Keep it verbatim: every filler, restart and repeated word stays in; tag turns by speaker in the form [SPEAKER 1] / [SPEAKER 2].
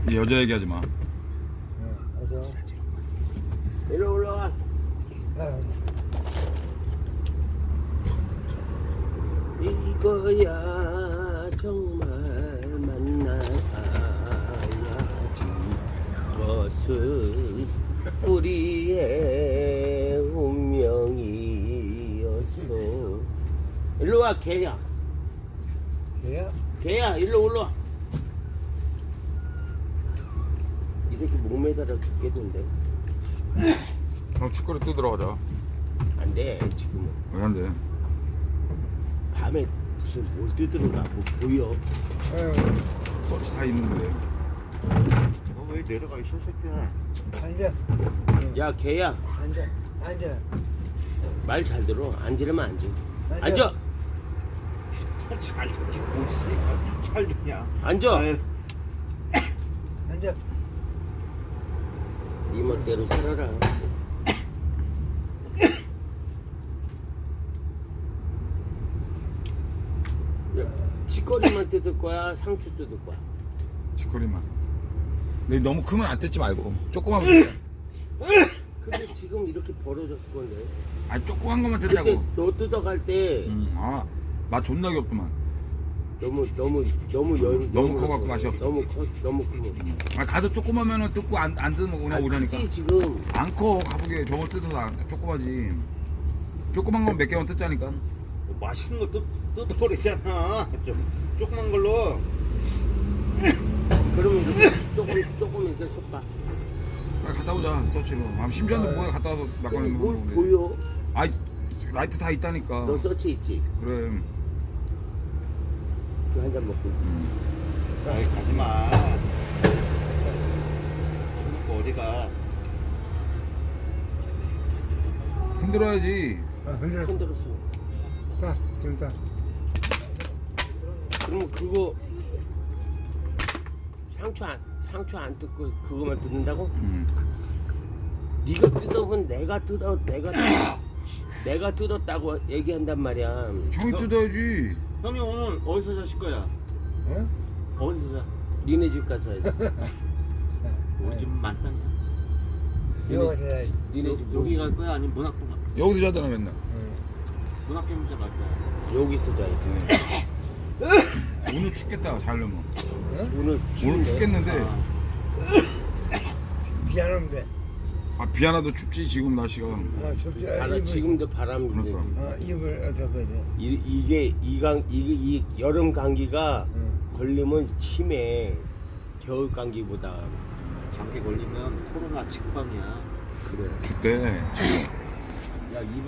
[SPEAKER 1] 여자 얘기하지 마.
[SPEAKER 2] 응, 맞아.
[SPEAKER 3] 이리 올라와.
[SPEAKER 2] 아,
[SPEAKER 3] 이거야 정말 만나야지. 그것은 우리의 운명이었어. 일로 와 개야.
[SPEAKER 2] 걔야?
[SPEAKER 3] 개야 일로 올라와. 이 새끼 목 매달아 죽겠는데.
[SPEAKER 1] 형 치과를 또 들어가자.
[SPEAKER 3] 안돼 지금은.
[SPEAKER 1] 왜 안 돼?
[SPEAKER 3] 밤에 무슨 뭘 뜯으러가 뭐 보여.
[SPEAKER 2] 응.
[SPEAKER 1] 서치 다 있는데.
[SPEAKER 3] 너 왜 내려가 있어 새끼야.
[SPEAKER 2] 앉아.
[SPEAKER 3] 야 개야
[SPEAKER 2] 앉아. 앉아.
[SPEAKER 3] 말 잘 들어. 앉으려면 앉아.
[SPEAKER 2] 앉아.
[SPEAKER 3] 앉아.
[SPEAKER 4] 잘 듣지 뭐지? 잘 듣냐?
[SPEAKER 3] 앉아.
[SPEAKER 4] 아유,
[SPEAKER 2] 앉아.
[SPEAKER 3] 네 멋대로 살아라. 야, 치거리만 뜯을 거야? 상추 뜯을 거야?
[SPEAKER 1] 치코리만. 근데 너무 크면 안 뜯지 말고 조그만 뜯자.
[SPEAKER 3] 근데 지금 이렇게 벌어졌을 건데.
[SPEAKER 1] 아니 조그만 것만
[SPEAKER 3] 그때
[SPEAKER 1] 뜯자고.
[SPEAKER 3] 너 뜯어갈 때
[SPEAKER 1] 음, 아, 맛 존나 귀엽구만.
[SPEAKER 3] 너무 너무 너무 열
[SPEAKER 1] 너무 커갖고 맛이 없어.
[SPEAKER 3] 너무 커 너무 크면.
[SPEAKER 1] 아, 가도 조그마면은 뜯고 안, 안 뜯으면 그냥
[SPEAKER 3] 아니,
[SPEAKER 1] 오려니까.
[SPEAKER 3] 크지 지금.
[SPEAKER 1] 안 커, 가보게. 저걸 뜯어서 안- 조그마지. 조그만 건 몇 개만 뜯자니까.
[SPEAKER 4] 뭐 맛있는 거 뜯, 뜯어버리잖아. 좀 조그만 걸로.
[SPEAKER 3] 그러면 이렇게 조금 조금 이렇게 섞어.
[SPEAKER 1] 아, 갔다 오자, 서치로. 아, 심지어도 뭐야, 갔다 와서 막걸리
[SPEAKER 3] 뭘
[SPEAKER 1] 먹는 건데.
[SPEAKER 3] 보여?
[SPEAKER 1] 아이, 라이트 다 있다니까.
[SPEAKER 3] 너 서치 있지?
[SPEAKER 1] 그래.
[SPEAKER 3] 그 한 잔 먹고.
[SPEAKER 4] 아이 가지마. 먹고 어디가?
[SPEAKER 1] 흔들어야지.
[SPEAKER 2] 아, 흔들었어.
[SPEAKER 3] 흔들었어.
[SPEAKER 2] 자, 지금 자.
[SPEAKER 3] 그러면 그거 상추 안 상추 안 뜯고 그거만 뜯는다고?
[SPEAKER 1] 음.
[SPEAKER 3] 네가 뜯어본 내가 뜯어 내가 뜯- 내가 뜯었다고 얘기한단 말이야.
[SPEAKER 1] 형이 뜯어야지.
[SPEAKER 4] 형이 오늘 어디서 자실 거야?
[SPEAKER 2] 응?
[SPEAKER 4] 어디서 자?
[SPEAKER 3] 니네 집 가서 해야지.
[SPEAKER 4] 우리 집 만땅이야.
[SPEAKER 2] 이거 가서 해야지.
[SPEAKER 3] 니네 집
[SPEAKER 4] 여기 갈 거야? 아니면 문학동 갈 거야?
[SPEAKER 1] 여기서 자잖아, 맨날.
[SPEAKER 2] 응.
[SPEAKER 4] 문학동에서 갈 거야.
[SPEAKER 3] 여기서 자야지.
[SPEAKER 1] 오늘 춥겠다, 자려면.
[SPEAKER 2] 응?
[SPEAKER 3] 오늘
[SPEAKER 1] 오늘
[SPEAKER 3] 추운데.
[SPEAKER 1] 춥겠는데.
[SPEAKER 4] 아.
[SPEAKER 2] 미안하면 돼.
[SPEAKER 1] 아, 비 하나도 춥지, 지금 날씨가.
[SPEAKER 2] 아, 좁지. 아,
[SPEAKER 3] 바람,
[SPEAKER 2] 입을,
[SPEAKER 3] 지금도 바람이
[SPEAKER 1] 그러니까.
[SPEAKER 3] 불지.
[SPEAKER 2] 아, 입을 어떻게 해야 돼?
[SPEAKER 3] 이, 이게 이강 이게 이 여름 감기가
[SPEAKER 2] 응.
[SPEAKER 3] 걸리면 심해. 겨울 감기보다.
[SPEAKER 4] 감기 걸리면 코로나 직방이야.
[SPEAKER 3] 그래.
[SPEAKER 1] 그때.
[SPEAKER 3] 야, 이